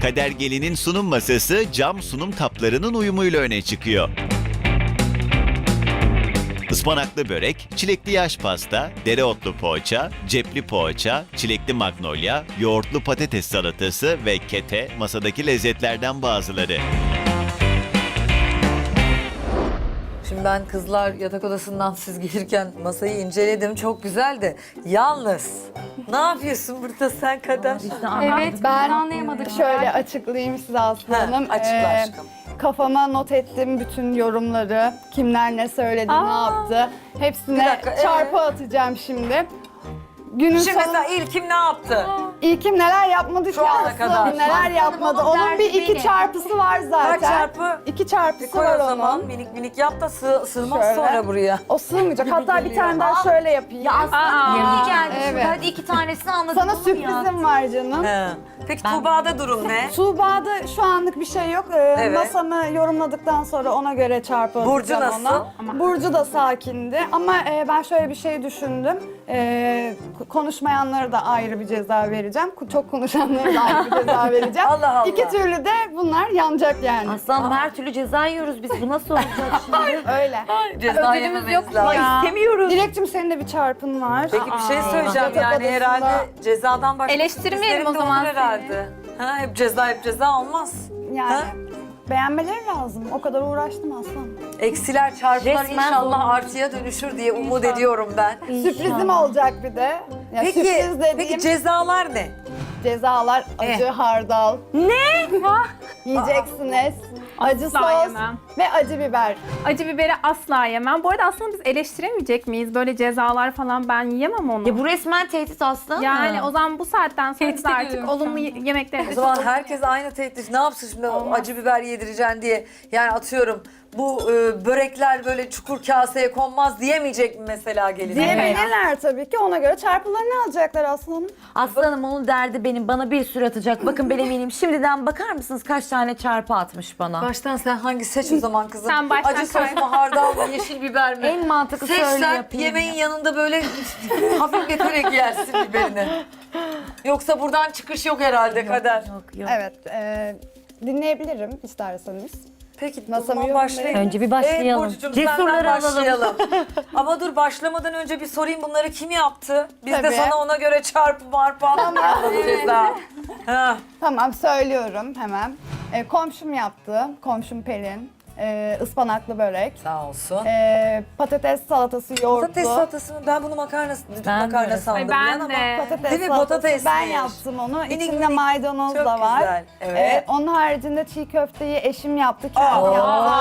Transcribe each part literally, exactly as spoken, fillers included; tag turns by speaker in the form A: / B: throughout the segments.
A: Kader Gelin'in sunum masası cam sunum kaplarının uyumuyla öne çıkıyor. Ispanaklı börek, çilekli yaş pasta, dereotlu poğaça, cepli poğaça, çilekli magnolia, yoğurtlu patates salatası ve kete masadaki lezzetlerden bazıları.
B: Şimdi ben kızlar yatak odasından siz gelirken masayı inceledim. Çok güzeldi. Yalnız ne yapıyorsun burada sen Kader?
C: Evet, ben anlayamadık.
D: Şöyle açıklayayım size Aslı
B: Ha,
D: Hanım.
B: açıkla
D: Ee,
B: aşkım.
D: Kafama not ettim bütün yorumları. Kimler ne söyledi, ne yaptı. Hepsine
B: Bir dakika, ee?
D: çarpı atacağım şimdi. Günün
B: Şimdi
D: sonu
B: mesela İlkim ne yaptı?
D: İlkim neler yapmadı
B: Şu
D: ki
B: ana
D: Aslı
B: kadar.
D: Hanım, neler yapmadı.
C: onun
D: Onun bir
C: derdi
D: iki
C: benim.
D: çarpısı var zaten.
B: Kaç çarpı?
D: İki
B: Bir
D: çarpısı
B: koy
D: var
B: o zaman
D: onun.
B: minik minik yap da sığ, sığmaz
D: Şöyle.
B: sonra buraya.
D: O sığmayacak. Hatta bir tane daha şöyle yapayım.
C: Ya aslında yeni geldi.
D: Evet.
C: Şimdi hadi iki tanesini anladım.
D: Sana
C: oğlum
D: sürprizim var canım.
B: He. Peki Tuğba'da durum ne?
D: Tuğba'da şu anlık bir şey yok. Ee,
B: Evet.
D: Masamı yorumladıktan sonra ona göre çarpı
B: Burcu
D: atacağım
B: nasıl?
D: ona. Burcu da sakindi ama e, ben şöyle bir şey düşündüm. E, k- konuşmayanlara da ayrı bir ceza vereceğim. Ku- Çok konuşanlara da ayrı bir ceza vereceğim.
B: Allah Allah.
D: İki türlü de bunlar yanacak yani.
C: Aslanım her türlü ceza yiyoruz biz. Bu nasıl olacak şimdi?
D: Öyle.
B: Ceza
C: Ödülümüz
B: yememiz
C: yok mu
B: lazım.
C: ya?
D: İstemiyoruz. Dilekçim senin de bir çarpın var.
B: Peki bir şey
C: Aa.
B: söyleyeceğim
D: Yatak
B: yani
D: odasında-
B: herhalde cezadan başka
E: Eleştirmeyelim
B: sürprizlerin
E: o
B: de
E: zaman
B: olur herhalde. Ha, hep ceza hep ceza olmaz.
D: Yani
B: Ha?
D: beğenmeleri lazım. O kadar uğraştım aslanım.
B: Eksiler çarpılar
C: Resmen
B: inşallah
C: zorlu.
B: artıya dönüşür diye umut ediyorum ben.
D: Sürprizim olacak bir de. Ya
B: Peki,
D: sürpriz dediğim
B: peki cezalar ne?
D: cezalar acı
B: Eh.
D: hardal. Ne? Yiyeceksiniz. Acı
E: Asla
D: sos
E: yemem.
D: ve acı biber.
E: Acı biberi asla yemem. Bu arada aslında biz eleştiremeyecek miyiz? Böyle cezalar falan ben yiyemem onu.
C: Ya bu resmen tehdit aslanım.
E: Yani o zaman bu saatten sonra biz
C: Tehdit
E: artık
C: ediyorum
E: olumlu yemekleri
B: O zaman herkes aynı teklif. Ne yapsın şimdi acı biber yedireceksin diye. Yani atıyorum bu e, börekler böyle çukur kaseye konmaz diyemeyecek mi mesela gelin?
D: Diyebilirler tabii ki. Ona göre çarpılarını alacaklar aslanım.
C: Aslanım onun derdi benim. Bana bir sürü atacak. Bakın ben eminim. Şimdiden bakar mısınız kaç tane çarpı atmış bana?
B: Baştan sen hangi seç o zaman kızım?
E: Sen baştan
B: Acı sos
E: koy.
B: mu, hardal mı, yeşil biber mi?
C: En mantıklı
B: Seç
C: söyle
B: sen
C: yapayım.
B: yemeğin
C: ya.
B: yanında böyle hafifleterek yersin biberini. Yoksa buradan çıkış yok herhalde Kader.
C: Yok yok.
D: Evet. E, dinleyebilirim isterseniz.
B: Peki o
D: Masamı
B: zaman
D: yorumlayın.
B: başlayalım.
C: Önce bir başlayalım.
B: Evet Burcu'cum
C: Cesurları
B: senden
C: alalım.
B: başlayalım. Ama dur başlamadan önce bir sorayım bunları kim yaptı? Biz de
D: Tabii.
B: sana ona göre çarpı marpı anlatmayalım ceza. Ha.
D: Tamam söylüyorum hemen. E, komşum yaptı. Komşum Pelin. E, ıspanaklı börek.
B: Sağ olsun.
D: E, patates salatası yoğurtlu.
B: Patates salatasını ben bunu makarna,
C: Ben
B: makarna
C: de.
B: sandım.
E: Ay,
B: yani
E: ben
B: ama
E: de.
D: Patates
B: Değil mi?
D: salatası.
B: Patatesmiş.
D: Ben yaptım onu.
B: Minik
D: İçinde
B: minik.
D: maydanoz
B: Çok
D: da var.
B: güzel. Evet.
D: Ee, onun haricinde çiğ köfteyi eşim yaptı, kendi
B: Aa.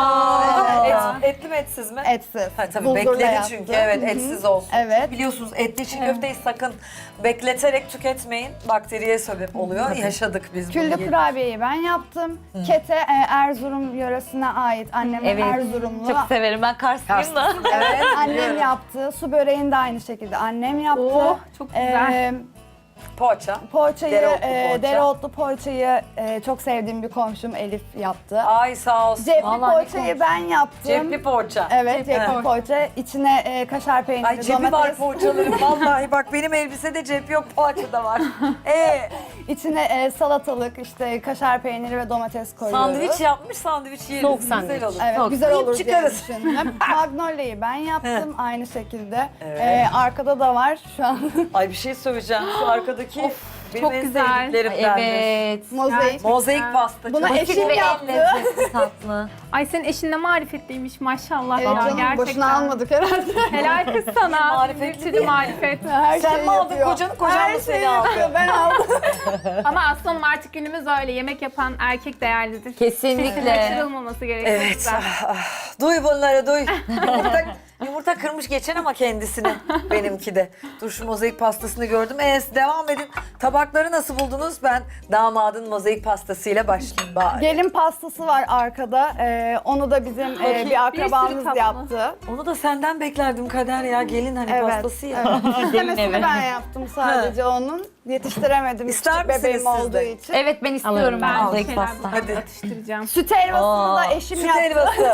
D: yaptı. Evet.
B: Et, etli mi etsiz mi?
D: Etsiz.
B: Ha, tabii
D: Buldurla
B: bekledi
D: yaptı.
B: çünkü evet
D: Hı hı.
B: etsiz olsun.
D: Evet.
B: Biliyorsunuz etli çiğ köfteyi sakın bekleterek tüketmeyin. Bakteriye sebep oluyor. Yaşadık biz bunu.
D: Küllü kurabiyeyi ben yaptım. Kete e, Erzurum yöresine ait. Annem
C: Evet.
D: Erzurumlu.
C: Çok severim. Ben Karslıyım da.
B: Evet.
D: Annem yaptı. Su böreğini de aynı şekilde annem yaptı.
E: Oh, çok güzel.
D: Ee,
B: Poğaça.
D: poğaçayı,
B: Dereotlu
D: e,
B: poğaça.
D: dereotlu poğaçayı e, çok sevdiğim bir komşum Elif yaptı.
B: Ay sağ olsun.
D: Cepli
C: Vallahi ne
D: poğaçayı ben yaptım.
B: Cepli poğaça.
D: Evet, cepli
B: Evet.
D: poğaça. İçine e, kaşar peyniri,
B: Ay cebi var
D: domates.
B: poğaçaların. Vallahi bak benim elbisede cep yok, poğaça da var. Ee,
D: İçine e, salatalık, işte kaşar peyniri ve domates koyuyoruz.
B: sandviç yapmış, sandviç yeriz.
C: Soğuk
B: Güzel
C: sandviç.
B: olur.
D: Evet,
C: Çok
D: güzel
B: yiyip
D: olur diye
B: çıkarız.
D: düşündüm. Magnolia'yı ben yaptım aynı şekilde.
B: Evet.
D: E, arkada da var şu an
B: Ay bir şey söyleyeceğim. Şu arkadaki benim
E: çok
B: en
E: güzel.
B: sevdiklerimdendir.
C: Evet.
D: mozaik.
B: Mozaik pasta.
D: Buna
B: çok-
D: eşim
C: Ve en
D: yaptı.
C: lezzetli tatlı.
E: Ay senin eşin de marifetliymiş maşallah.
D: Evet
E: ya,
D: canım,
E: gerçekten.
D: boşuna almadık herhalde.
E: Helal kız sana.
B: Marifetli
E: Bir sürü
B: değil mi?
E: marifet.
D: Her
B: Sen
D: şeyi
B: mi aldın
D: yapıyor.
B: kocanı, kocan
D: Her
B: mı seni
D: şeyi
B: aldı?
D: yapıyor, ben aldım.
E: Ama aslanım artık günümüz öyle. Yemek yapan erkek değerlidir.
C: Kesinlikle.
E: Kaçırılmaması gerekiyor.
B: Evet.
E: bizden.
B: ah, ah. Duy bunları duy. Yumurta, yumurta kırmış geçen ama kendisini. Benimki de. Dur şu mozaik pastasını gördüm. Ee, devam edin. Tabakları nasıl buldunuz? Ben damadın mozaik pastasıyla başlayayım bari.
D: Gelin pastası var arkada. E, onu da bizim e, bir
E: Bir sürü
D: akrabamız
E: tatlı.
D: yaptı.
B: Onu da senden beklerdim Kader ya. Gelin hani
D: Evet.
B: pastası ya.
D: Evet.
C: Gelin
D: İstemesini
C: evi.
D: ben yaptım sadece onun. Yetiştiremedim
B: İster
D: küçük
B: misiniz
D: bebeğim
B: siz
D: olduğu
B: de?
D: için.
C: Evet ben istiyorum
E: Ben
C: ben
E: bir
C: mozaik
E: şeyler
C: pasta.
B: Hadi.
E: atıştıracağım.
D: Süt helvasını da
C: Aa,
D: eşim
B: Süt
D: yaptı.
B: helvası.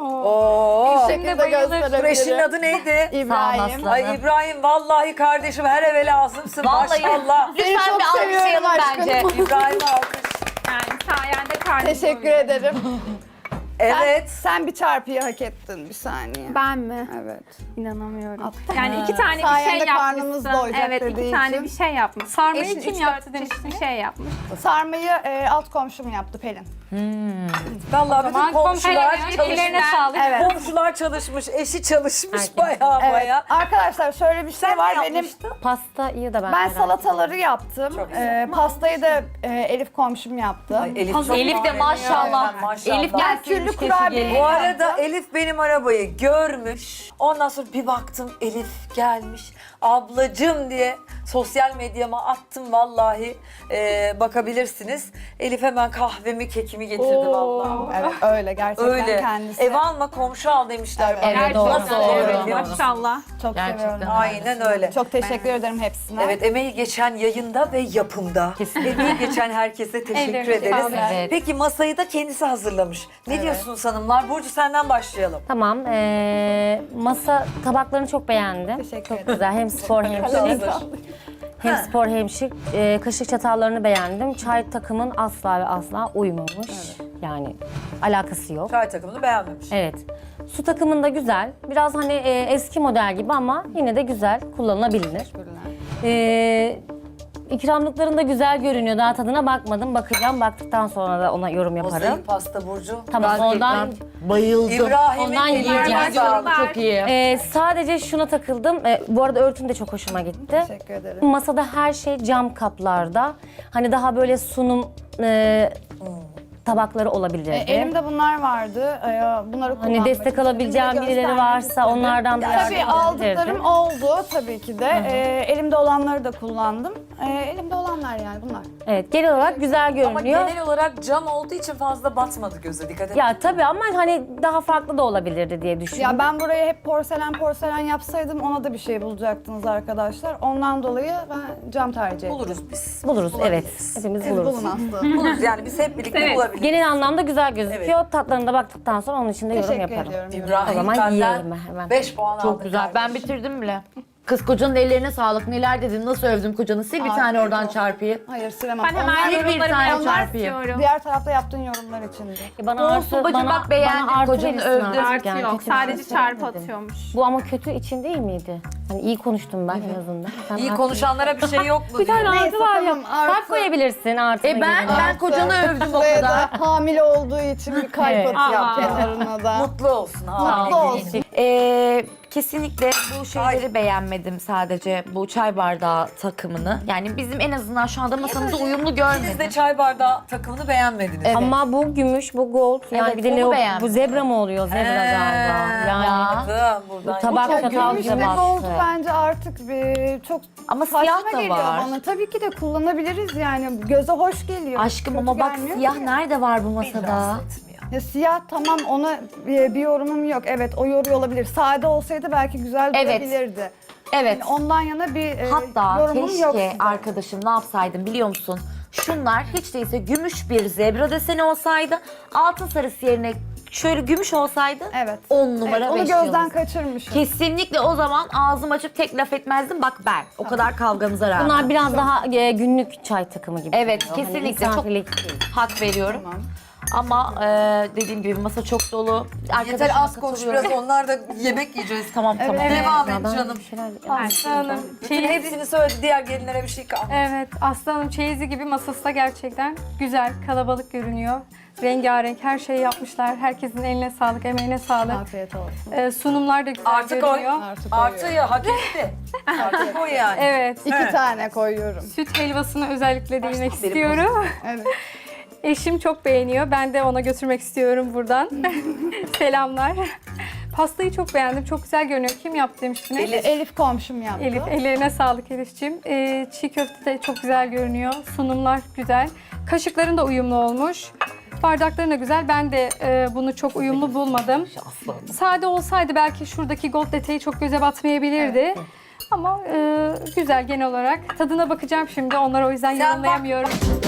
B: Oo.
D: Bu şekilde
B: Dur eşinin
D: gösterebilirim.
B: adı neydi?
D: İbrahim.
C: Sağ ol
B: Ay İbrahim vallahi kardeşim her eve lazımsın
C: Vallahi.
B: maşallah.
D: Seni
C: Lütfen
D: çok
C: bir
D: seviyorum
C: alkışlayalım
D: aşkım.
C: bence.
B: İbrahim alkış.
E: Yani
D: Teşekkür ederim.
B: Evet.
D: Sen bir çarpıyı hak ettin bir saniye.
E: Ben mi?
D: Evet.
E: İnanamıyorum.
D: Attım.
E: Yani iki tane bir
D: Sayende
E: şey
D: karnımız
E: yapmışsın.
D: doyacak
E: Evet,
D: dediği
E: iki tane
D: için.
E: bir şey yapmış.
F: Sarmayı
E: Eşin
F: kim
E: üç,
F: yaptı
E: dört çeşit
F: demiştiniz?
E: bir şey yapmış.
D: Sarmayı e, alt komşum yaptı Pelin.
B: Vallahi bütün
F: Aman
B: komşular
F: komşular
B: çalışmış.
F: ellerine sağlık.
D: Evet.
B: Komşular çalışmış, eşi çalışmış bayağı
D: Evet.
B: bayağı.
D: Arkadaşlar şöyle bir şey
B: Sen
D: var
B: ne
D: benim.
B: yapmıştın?
C: Pastayı da ben
D: Ben
C: merak
D: salataları yaptım. Ee, pastayı da e, Elif komşum yaptı.
B: Ay, Elif, çok
C: Elif de
B: manevi.
C: maşallah.
B: Evet, maşallah.
C: Elif
D: Ben
C: gelsin.
D: küllü kurabiye
B: Bu arada Elif benim arabayı görmüş. Ondan sonra bir baktım Elif gelmiş. Ablacım diye sosyal medyama attım vallahi. Ee, bakabilirsiniz. Elif hemen kahvemi, kekimi getirdi vallahi.
D: Evet öyle gerçekten
B: Öyle.
D: kendisi.
B: Ev alma komşu al demişler.
D: Evet,
B: bana.
C: evet, doğru,
B: Nasıl
C: doğru.
B: oluyor biliyor
C: Doğru.
B: musun?
E: Maşallah.
D: Çok
C: Gerçekten.
D: seviyorum.
B: Aynen öyle.
D: Çok teşekkür ederim hepsine.
B: Evet, emeği geçen yayında ve yapımda. Emeği geçen herkese teşekkür
F: Ellerine
B: ederiz.
F: sağlık.
C: Evet.
B: Peki masayı da kendisi hazırlamış. Ne diyorsunuz hanımlar? Burcu senden başlayalım.
G: Tamam. eee, masa tabaklarını çok beğendim.
D: Teşekkür
G: çok
D: ederim.
G: güzel. Hem spor hem şık. Hem spor hem şık. Eee, kaşık çatallarını beğendim. Çay takımın asla ve asla uymamış. Yani alakası yok.
B: Çay takımını beğenmemiş.
G: Evet. Su takımında güzel. Biraz hani eee, eski model gibi ama yine de güzel. Kullanılabilir. Eee ikramlıkların da güzel görünüyor. Daha tadına bakmadım. Bakacağım. Baktıktan sonra da ona yorum yaparım.
B: Mozaik pasta Burcu.
G: Tamam ondan
C: Bayıldım.
B: İbrahim'in
G: Ondan
B: ellerine
G: yiyeceğim.
B: sağlık.
C: Çok iyi.
G: Ee, sadece şuna takıldım. Ee, bu arada örtün de çok hoşuma gitti.
D: Teşekkür ederim.
G: Masada her şey cam kaplarda. Hani daha böyle sunum e, tabakları olabilirdi.
D: E, elimde bunlar vardı. E, bunları kullanmak
G: hani destek
D: istedim.
G: alabileceğim
D: Bir de
G: birileri
D: göstermek
G: varsa
D: istedim.
G: onlardan da
D: Ya,
G: yardım
D: tabii
G: edebilirdim.
D: aldıklarım oldu tabii ki de. E, elimde olanları da kullandım. E, elimde olanlar yani bunlar.
G: Evet, genel olarak güzel
B: Ama
G: görünüyor.
B: genel olarak cam olduğu için fazla batmadı göze, dikkat et.
G: Ya tabii ama hani daha farklı da olabilirdi diye düşündüm.
D: Ya ben buraya hep porselen porselen yapsaydım ona da bir şey bulacaktınız arkadaşlar. Ondan dolayı ben cam tercih ettim.
B: Buluruz biz.
G: Buluruz, evet.
B: Bulabiliriz.
G: Hepimiz
D: Siz
G: buluruz.
D: bulun aslında.
B: Buluruz yani biz hep birlikte
E: Evet.
B: bulabiliriz.
G: Genel anlamda güzel gözüküyor. Tatlarına da baktıktan sonra onun için de yorum
D: Teşekkür
G: yaparım.
D: ediyorum.
B: İbrahim
G: O zaman
B: benden
G: yiyelim hemen.
B: beş puan aldı.
C: Çok güzel. Ben bitirdim bile. Kız kocanın ellerine sağlık. Neler dedin, nasıl övdüm kocanı. Sil bir
D: Afiyet
C: tane oradan
D: olsun.
C: çarpıyı.
D: Hayır silemem.
E: Ben hemen
D: Onlar
C: bir
E: yorumlarımı
C: tane
E: yapmak
C: çarpayım.
E: istiyorum.
D: diğer tarafta yaptığın yorumlar içindi.
G: E Bana
C: Olsun
G: artı,
C: bacım,
G: bana,
C: bak beğendim,
G: bana artı
C: kocanı
G: verirsin
C: övdüm.
G: artık
E: Artı
G: yani.
E: yok.
G: Kötü bir şey
E: Sadece çarpı
G: söylemedim.
E: atıyormuş.
G: Bu ama kötü için değil miydi? Hani iyi konuştum ben en azından. Sen
B: İyi
G: artı-
B: konuşanlara bir şey yok mu?
G: Bir tane
B: diyor.
G: artı var ya.
D: tamam, artı.
G: Kalp koyabilirsin artı.
C: E ben ben kocanı övdüm o
D: Buraya
C: kadar.
D: da hamile olduğu için bir kalp
G: Evet.
D: atıyor
E: Aa.
D: kenarına da.
B: Mutlu olsun. Ha.
D: Mutlu olsun.
C: Ee, kesinlikle bu şeyleri beğenmedim sadece. Bu çay bardağı takımını. Yani bizim en azından şu anda masamızda uyumlu
B: Siz
C: görmedim.
B: de çay bardağı takımını beğenmediniz.
C: Evet.
G: Ama bu gümüş, bu gold. Yani
C: Evet,
G: bir de
C: onu
G: ne o-
C: beğendim.
G: bu zebra mı oluyor? Zebra galiba. Yani
B: Anladım buradan.
G: Bu tabak
D: Çok
G: çatal
D: gümüş
G: bize
D: ve gold
G: bastı.
D: bence artık bir çok
C: Ama
D: saçma
C: siyah da
D: geliyor
C: var.
D: bana. Tabii ki de kullanabiliriz yani. Göze hoş geliyor.
C: Aşkım
D: Kötü
C: ama bak
D: gelmiyor
C: siyah
D: ki.
C: nerede var bu
B: Beni
C: masada?
B: rahatsız etmiyor.
D: Ya siyah tamam ona bir, bir yorumum yok. Evet o yoruyor olabilir. Sade olsaydı belki güzel
C: Evet.
D: durabilirdi.
C: Evet.
D: Yani ondan yana bir e,
C: Hatta
D: yorumum yok.
C: keşke
D: size.
C: arkadaşım ne yapsaydım biliyor musun? Şunlar hiç değilse gümüş bir zebra deseni olsaydı, altın sarısı yerine şöyle gümüş olsaydı
D: Evet.
C: on numara
D: Evet, onu
C: beş
D: gözden
C: yıldız.
D: kaçırmışım.
C: Kesinlikle o zaman ağzım açıp tek laf etmezdim. Bak ben. O kadar kavgamıza rağmen.
G: Bunlar biraz daha e, günlük çay takımı gibi.
C: Evet,
G: duruyor. Hani
C: kesinlikle çok
G: misafirlik değil.
C: hak veriyorum.
D: Tamam.
C: Ama e, dediğim gibi masa çok dolu.
B: Yeter
C: Arkadaşıma
B: az konuş
C: katılıyorum.
B: biraz, onlar da yemek yiyeceğiz.
C: Tamam tamam.
B: Devam
G: Ya
B: et
G: ben
B: canım.
G: bir şeyler-
F: Aslanım,
B: Bütün
F: çeyiz,
B: hepsini söyledi, diğer gelinlere bir şey kalmadı.
F: evet, aslanım çeyizi gibi masası da gerçekten güzel, kalabalık görünüyor. Rengarenk her şeyi yapmışlar. Herkesin eline sağlık, emeğine sağlık.
D: Afiyet olsun.
F: Ee, sunumlar da güzel
B: Artık koy.
F: görünüyor.
D: Artı
B: Artı
D: koyuyorum.
B: ya hak etti. Artık koy yani.
F: Evet,
D: İki
B: Evet.
D: tane koyuyorum.
F: süt helvasına özellikle değinmek
B: Baştan beri
F: istiyorum.
D: Evet.
F: Eşim çok beğeniyor. Ben de ona götürmek istiyorum buradan. Selamlar. Pastayı çok beğendim. Çok güzel görünüyor. Kim yaptı demiştiniz?
B: Elif.
D: Elif komşum yaptı.
F: Elif, ellerine sağlık Elif'ciğim. Ee, çiğ köfte de çok güzel görünüyor. Sunumlar güzel. Kaşıkların da uyumlu olmuş. Bardakların da güzel. Ben de e, bunu çok uyumlu bulmadım. Sade olsaydı belki şuradaki gold detayı çok göze batmayabilirdi. Ama e, güzel genel olarak. Tadına bakacağım şimdi. Onları o yüzden
B: Sen bak.
F: yorumlayamıyorum.